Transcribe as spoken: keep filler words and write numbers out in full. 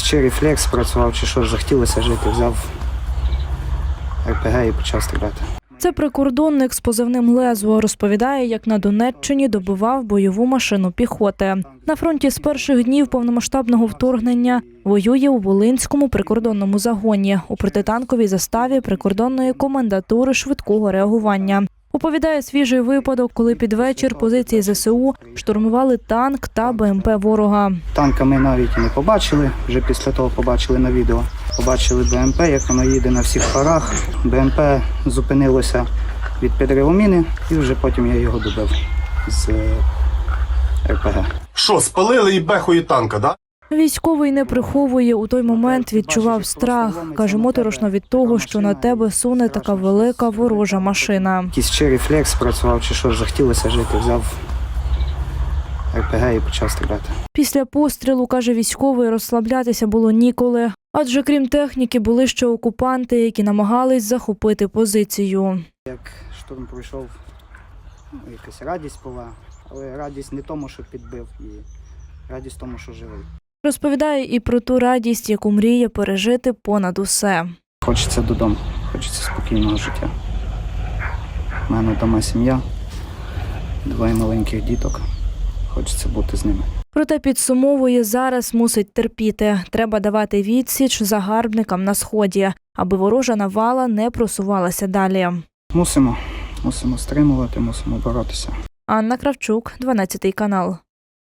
чи рефлекс працював, чи що, захотілося жити, взяв ер пе ге і почав стріляти. Це прикордонник з позивним «Лезо». Розповідає, як на Донеччині добивав бойову машину піхоти. На фронті з перших днів повномасштабного вторгнення воює у Волинському прикордонному загоні у протитанковій заставі прикордонної комендатури швидкого реагування. Оповідає свіжий випадок, коли під вечір позиції зе се у штурмували танк та бе ем пе ворога. Танка ми навіть і не побачили, вже після того побачили на відео. Побачили бе ем пе, як воно їде на всіх парах. бе ем пе зупинилося від підриву міни, і вже потім я його добив з ер пе ге. Що, спалили і бехою танка, да? Військовий не приховує, у той момент відчував страх. Каже, моторошно від того, що на тебе суне така велика ворожа машина. Якийсь чи рефлекс працював, чи що, захотілося жити, взяв ер пе ге і почав стріляти. Після пострілу, каже військовий, розслаблятися було ніколи. Адже крім техніки були ще окупанти, які намагались захопити позицію. Як штурм пройшов, ну, якась радість була, але радість не тому, що підбив, і радість тому, що живий. Розповідає і про ту радість, яку мріє пережити понад усе. Хочеться додому, хочеться спокійного життя. У мене вдома сім'я, двоє маленьких діток. Хочеться бути з ними. Проте підсумовує, зараз мусить терпіти. Треба давати відсіч загарбникам на Сході, аби ворожа навала не просувалася далі. Мусимо, мусимо стримувати, мусимо боротися. Анна Кравчук, дванадцятий канал.